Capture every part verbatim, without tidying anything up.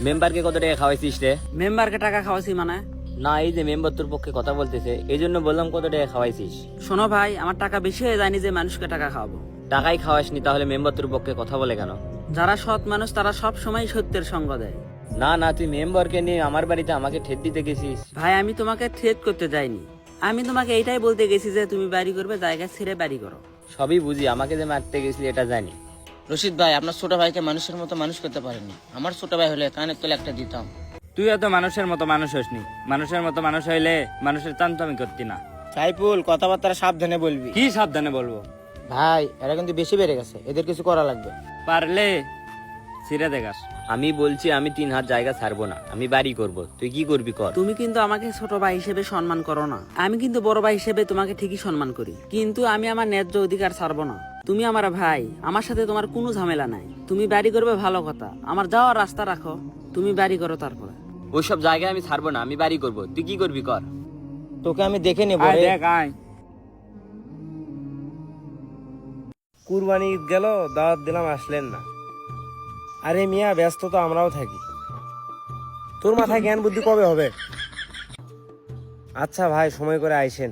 মেম্বারকে কত টাকা খাওয়াইছিস রে? মেম্বারকে টাকা খাওয়াছি মানে? না, এই যে মেম্বার তোর পক্ষে কথা বলতেছে এই জন্য বললাম কত টাকা খাওয়াইছিস। শোনো ভাই, আমার টাকা বেশি হয়ে যায়নি যে মানুষকে টাকা খাওয়াবো। টাকাই খাওয়াসনি তাহলে মেম্বার তোর পক্ষে কথা বলে কেন? যারা সৎ মানুষ তারা সব সময় সত্যের সঙ্গ দেয়। না না, তুই মেম্বারকে নিয়ে আমার বাড়িতে আমাকে ঠেট দিতে গেছিস। ভাই আমি তোমাকে থ্রেট করতে যাইনি, আমি তোমাকে এইটাই বলতে গেছি যে তুমি বাড়ি করবে, জায়গা ছেড়ে বাড়ি করো। সবই বুঝি, আমাকে যে মারতে গেছিলি এটা জানি। রশিদ ভাই, আপনার ছোট ভাইকে মানুষের মতো মানুষ করতে পারেননি। আমার ছোট ভাই হলে কানের তলে একটা দিতাম। তুই এত মানুষের মতো মানুষ হসনি। মানুষের মতো মানুষ হইলে মানুষের চান্তমি করতি না। সাইফুল, কথাবার্তা সাবধানে বলবি। কি সাবধানে বলবো? ভাই, এরা কিন্তু বেশি বেড়ে গেছে, এদের কিছু করা লাগবে। পারলে ছিঁড়ে দেখাস। আমি বলছি আমি তিন হাত জায়গা ছাড়বো না, আমি বাড়ি করব। তুই কি করবি কর। তুমি কিন্তু আমাকে ছোট ভাই হিসেবে সম্মান করো না, আমি কিন্তু বড় ভাই হিসেবে তোমাকে ঠিকই সম্মান করি, কিন্তু আমি আমার ন্যায্য অধিকার ছাড়বো না। তুমি আমার ভাই, আমার সাথে তোমার কোনো ঝামেলা নাই। তুমি বাড়ি করবে ভালো কথা, আমার যাওয়ার রাস্তা রাখো, তুমি বাড়ি করো। তারপরে ওইসব জায়গায় আমি ছাড়বো না, আমি বাড়ি করব। তুই কি করবি কর। তোকে আমি দেখে নেবো। আয় দেখ আয়। কুরবানি ঈদ গেল, দাওয়াত দিলাম আসলেন না। আরে মিয়া, ব্যস্ত তো আমরাও থাকি। তোর মাথায় জ্ঞান বুদ্ধি কবে হবে? আচ্ছা ভাই, সময় করে আইসেন।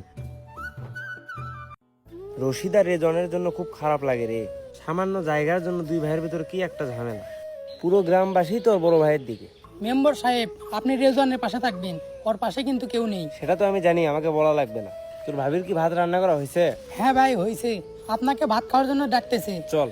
রশিদ আর রেজনের জন্য খুব খারাপ লাগে রে। সামান্য জায়গার জন্য দুই ভাইয়ের ভিতরে কি একটা ঝামেলা। পুরো গ্রামবাসী তোর বড় ভাইয়ের দিকে। মেম্বার সাহেব, আপনি রেজওয়ানের পাশে থাকবেন, ওর পাশে কিন্তু কেউ নেই। সেটা তো আমি জানি, আমাকে বলা লাগবে না। তোর ভাবির কি ভাত রান্না করা হয়েছে? হ্যাঁ ভাই, হয়েছে। আপনাকে ভাত খাওয়ার জন্য ডাকতেছে। চল।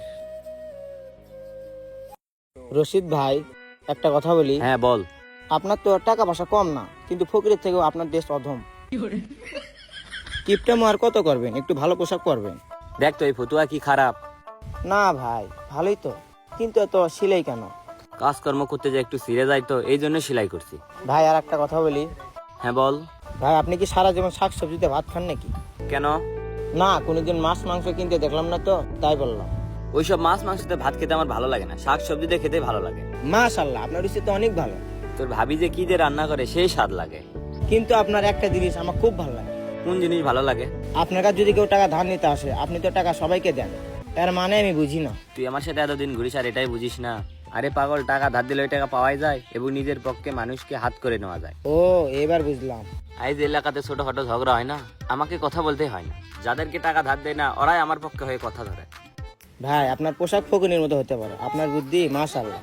রশিদ ভাই, একটা কথা বলি। হ্যাঁ বল। আপনার তো টাকা পয়সা কম না, কিন্তু ফকিরের থেকেও আপনার দেশ অধম। কিপটামো আর কত করবেন, একটু ভালো পোশাক পরবেন। দেখ তো এই ফতুয়া কি খারাপ? না ভাই, ভালোই তো, কিন্তু এত সিলাই কেন? কাজকর্ম করতে যে একটু ছিঁড়ে যায় তো এই জন্য সেলাই করছি। ভাই আর একটা কথা বলি। হ্যাঁ বল। ভাই, আপনি কি সারা জীবন শাক সবজিতে ভাত খান নাকি? কেন? না, কোনোদিন মাছ মাংস কিনতে দেখলাম না তো, তাই বললাম। ওইসব মাছ মাংসতে ভাত খেতে আমার ভালো লাগে না, শাক সবজিতে খেতে ভালো লাগে। মাশাআল্লাহ, আপনার রুচি তো অনেক ভালো। তোর ভাবি যে কি যে রান্না করে সেই স্বাদ লাগে। কিন্তু আপনার একটা জিনিস আমার খুব ভালো লাগে। কোন জিনিস ভালো লাগে? আপনার কাছে যদি কেউ টাকা ধার নিতে আসে, আপনি তো টাকা সবাইকে দেন, এর মানে আমি বুঝি না। তুই আমার সাথে এতদিন ঘুরিস আর এটাই বুঝিস না? আরে পাগল, টাকা ধার দিলে ওই টাকা পাওয়াই যায় এবং নিজের পক্ষে মানুষকে হাত করে নেওয়া যায়। ও, এবার বুঝলাম। আজ এলাকাতে ছোটখাটো ঝগড়া হয় না, আমাকে কথা বলতে হয় না। যাদেরকে টাকা ধার দেয় না ওরাই আমার পক্ষে হয়ে কথা ধরে। ভাই, আপনার পোশাক ফকুনির মতো হতে পারে, আপনার বুদ্ধি মাশাআল্লাহ।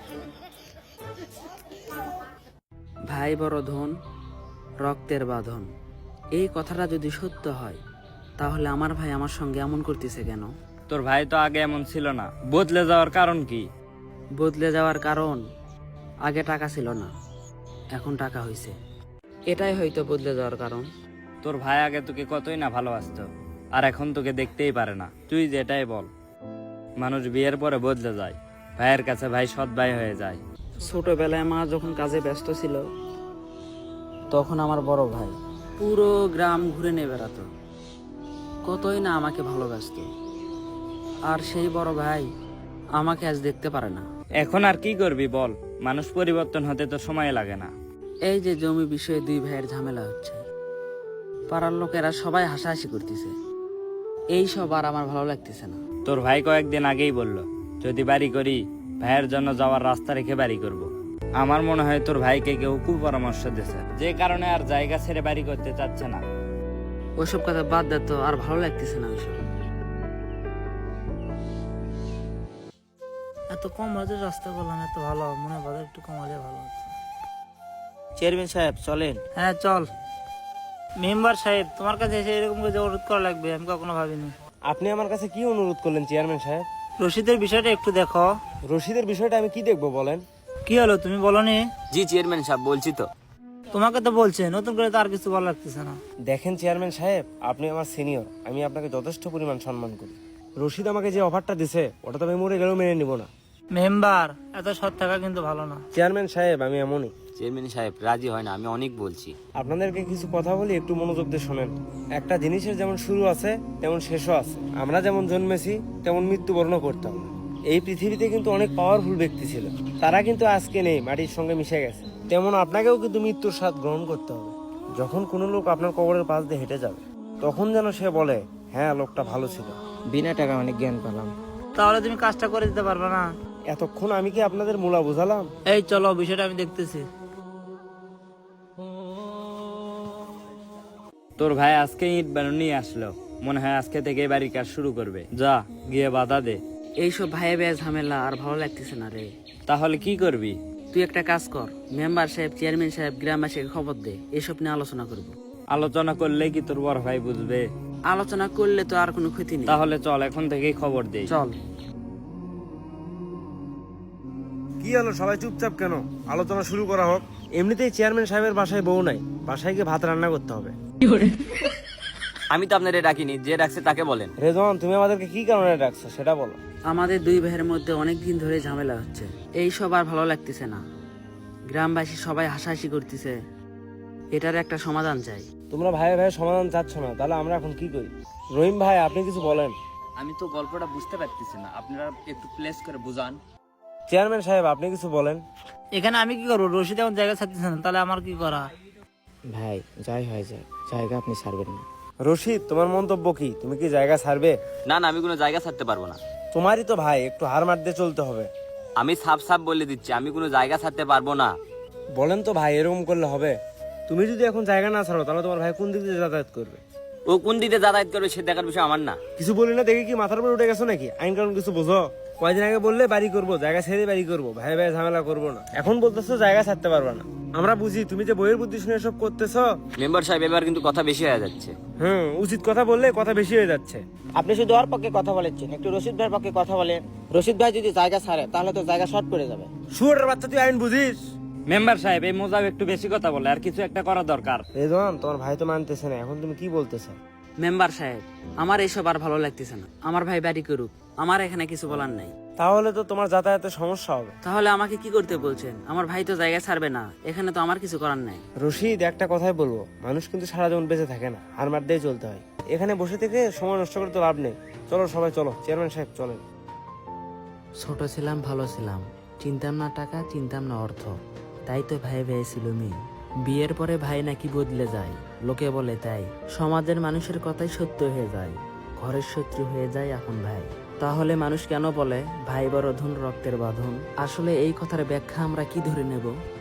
ভাই বড় ধন, রক্তের বাঁধন, এই কথাটা যদি সত্য হয় তাহলে আমার ভাই আমার সঙ্গে এমন করতেছে কেন? তোর ভাই তো আগে এমন ছিল না, বদলে যাওয়ার কারণ কি? বদলে যাওয়ার কারণ, আগে টাকা ছিল না, এখন টাকা হয়েছে, এটাই হয়তো বদলে যাওয়ার কারণ। তোর ভাই আগে তোকে কতই না ভালোবাসতো, আর এখন তোকে দেখতেই পারে না। তুই যেটাই বল, মানুষ বিয়ের পরে বদলে যায়, ভাইয়ের কাছে ভাই সৎ ভাই হয়ে যায়। ছোটবেলায় মা যখন কাজে ব্যস্ত ছিল তখন আমার বড় ভাই পুরো গ্রাম ঘুরে নিয়ে বেড়াতো, কতই না আমাকে ভালোবাসতো, আর সেই বড় ভাই আমাকে আজ দেখতে পারে না। এখন আর কি করবি বল, মানুষ পরিবর্তন হতে তো সময় লাগে না। এই যে জমি বিষয়ে দুই ভাইয়ের ঝামেলা হচ্ছে, পাড়ার লোকেরা সবাই হাসাহাসি করতেছে, এই সব আর আমার ভালো লাগতেছে না। তোর ভাই কয়েকদিন আগেই বলল, যদি বাড়ি করি ভাইয়ের জন্য যাওয়ার রাস্তা রেখে বাড়ি করব। আমার মনে হয় তোর ভাইকে কেউ কুপরামর্শ দিয়েছে, যে কারণে আর জায়গা ছেড়ে বাড়ি করতে চাচ্ছে না। ওইসব কথা বাদ দে তো, আর ভালো লাগতেছে না ওইসব। এত কম বাজেট রাস্তা করলাম, এত ভালো মনে বাজার একটু কম হলে ভালো হতো। চেয়ারম্যান সাহেব চলেন। হ্যাঁ চল। মেম্বার সাহেব, তোমার কাছে এসে এরকম করে অনুরোধ করা লাগবে আমি কখনো ভাবিনি। আপনি আমার কাছে কি অনুরোধ করলেন চেয়ারম্যান সাহেব? রশিদের বিষয়টা একটু দেখো। রশিদের বিষয়টা আমি কি দেখবো বলেন? কি হলো, তুমি বলনি? জি চেয়ারম্যান সাহেব, বলছি তো। তোমাকে তো বলছে, নতুন করে তো আর কিছু ভালো লাগতেছে না। দেখেন চেয়ারম্যান সাহেব, আপনি আমার সিনিয়র, আমি আপনাকে যথেষ্ট পরিমাণ সম্মান করি। রশিদ আমাকে যে অফারটা দিছে ওটা তো আমি মরে গেলেও মেনে নিব না। মেম্বার, এত সৎ থাকা কিন্তু ভালো না। চেয়ারম্যান সাহেব, আমি এমনই। চেয়ারম্যান সাহেব রাজি হয় না, আমি অনেক বলছি। আপনাদেরকে কিছু কথা বলি, একটু মনোযোগ দিয়ে শোনেন। একটা জিনিসের যেমন শুরু আছে তেমন শেষও আছে। আমরা যেমন জন্মেছি তেমন মৃত্যুবরণও করতাম। এই পৃথিবীতে কিন্তু অনেক পাওয়ারফুল ব্যক্তি ছিল, তারা কিন্তু আজকে নেই, মাটির সঙ্গে মিশে গেছে। তেমন আপনাকেও কিন্তু মৃত্যুর স্বাদ গ্রহণ করতে হবে। যখন কোনো লোক আপনার কবরের পাশ দিয়ে হেঁটে যাবে তখন যেন সে বলে, হ্যাঁ লোকটা ভালো ছিল। বিনা টাকা অনেক জ্ঞান পেলাম। তাহলে তুমি কাজটা করে দিতে পারবে না? এতক্ষণ আমি কি আপনাদের মূলা বোঝালাম? এই চলো, বিষয়টা আমি দেখতেছি। তোর ভাই আজকে ইট বানু নিয়ে আসলো, মনে হয় আজকে থেকে বাড়ির কাজ শুরু করবে। যা গিয়ে বাধা দে। এইসব ভাইয়ে ভাইয়ে ঝামেলা আর ভালো লাগতেছে না রে। তাহলে কি করবি? তুই একটা কাজ কর, মেম্বার সাহেব, চেয়ারম্যান সাহেব, গ্রামবাসীকে খবর দে, এসব নিয়ে আলোচনা করব। আলোচনা করলে কি তোর বড় ভাই বুঝবে? আলোচনা করলে তো আর কোনো ক্ষতি নেই। তাহলে চল এখন থেকেই খবর দেই। চল। কি হলো, সবাই চুপচাপ কেন? আলোচনা শুরু করা হোক। এমনিতেই চেয়ারম্যান সাহেবের বাসায় বউ নাই, বাসায় গিয়ে ভাত রান্না করতে হবে। আমি তো আপনাদের ডাকিনি, যে ডাকছে তাকে বলেন। রেজন, তুমি আমাদেরকে কি কারণে ডাকছো সেটা বলো। আমাদের দুই ভাইয়ের মধ্যে অনেক দিন ধরে ঝামেলা হচ্ছে, এইসব আর ভালো লাগতেছে না। গ্রামবাসী সবাই হাসাহাসি করতেছে, এটার একটা সমাধান চাই। তোমরা ভাই ভাই সমাধান চাচ্ছ না, তাহলে আমরা এখন কি করি? রহিম ভাই, আপনি কিছু বলেন। আমি তো গল্পটা বুঝতে পারতেছি না, আপনারা একটু প্লেস করে বুঝান। চেয়ারম্যান সাহেব, আপনি কিছু বলেন। এখানে আমি কি করবো? রশিদ এখন জায়গা ছাড়তেছে না, তাহলে আমার কি করা? ভাই যাই হয় যায়, জায়গা আপনি ছাড়বেন না। রশিদ, তোমার মন্তব্য কি? তুমি কি জায়গা ছাড়বে? না না, আমি কোনো জায়গা ছাড়তে পারবো না। তোমারই তো ভাই, একটু হার মারতে চলতে হবে। আমি সাফ সাফ বলে দিচ্ছি, আমি কোনো জায়গা ছাড়তে পারবো না। বলেন তো ভাই, এরকম করলে হবে? তুমি যদি এখন জায়গা না ছাড়ো, তাহলে তোমার ভাই কোন দিক দিয়ে যাতায়াত করবে? ও কোন দিকে যাতায়াত করবে সে দেখার বিষয় আমার না। কিছু বলি না দেখে কি মাথার উপর উঠে গেছো নাকি? আইন কানুন কিছু বোঝো? কয়দিন আগে বললে বাড়ি করবো, জায়গা ছেড়ে বাড়ি করবো, ভাই ভাই ঝামেলা করবো না। এখন বলতেছো জায়গা ছাড়তে পারবা না। আমরা বুঝি তুমি যে বইয়ের বুদ্ধি শুনে এসব করতেছো। মেম্বার সাহেব, এবার কিন্তু কথা বেশি হয়ে যাচ্ছে। হুম, উচিত কথা বললে কথা বেশি হয়ে যাচ্ছে। আপনি শুধু ওর পক্ষে কথা বলেছেন, একটু রশিদ ভাইয়ের পক্ষে কথা বলেন। রশিদ ভাই যদি জায়গা ছাড়ে তাহলে তো জায়গা শর্ট পড়ে যাবে। শুয়োরের বাচ্চা, তুই আইন বুঝিস? মেম্বার সাহেব, এই মোজাব একটু বেশি কথা বলে, আর কিছু একটা করা দরকার। রেজন, তোমার ভাই তো মানতেছে না, এখন তুমি কি বলতেছো? মেম্বার সাহেব, আমার এইসব আর ভালো লাগতেছে না। আমার ভাই বাড়ি করুক, আমার এখানে কিছু বলার নাই। তাহলে তো তোমার যাতায়াতের সমস্যা হবে। তাহলে আমাকে কি করতে বলছেন? আমার ভাই তো জায়গা ছাড়বে না, এখানে তো আমার কিছু করার নাই। রশিদ, একটা কথাই বলবো, মানুষ কিন্তু সারা জীবন বেঁচে থাকে না, হার মার দিয়ে চলতে হয়। এখানে বসে থেকে সময় নষ্ট করে তো লাভ নেই। চলো সবাই চলো, চেয়ারম্যান সাহেব চলেন। ছোট ছিলাম, ভালো ছিলাম, চিনতাম না টাকা, চিনতাম না অর্থ, তাই তো ভাই ভাই ছিল মেয়ে। বিয়ের পরে ভাই নাকি বদলে যায়, লোকে বলে তাই। সমাজের মানুষের কথাই সত্য হয়ে যায়, ঘরের শত্রু হয়ে যায় এখন ভাই। তাহলে মানুষ কেন বলে ভাই বড় ধন রক্তের বাঁধন? আসলে এই কথার ব্যাখ্যা আমরা কি ধরে নেব?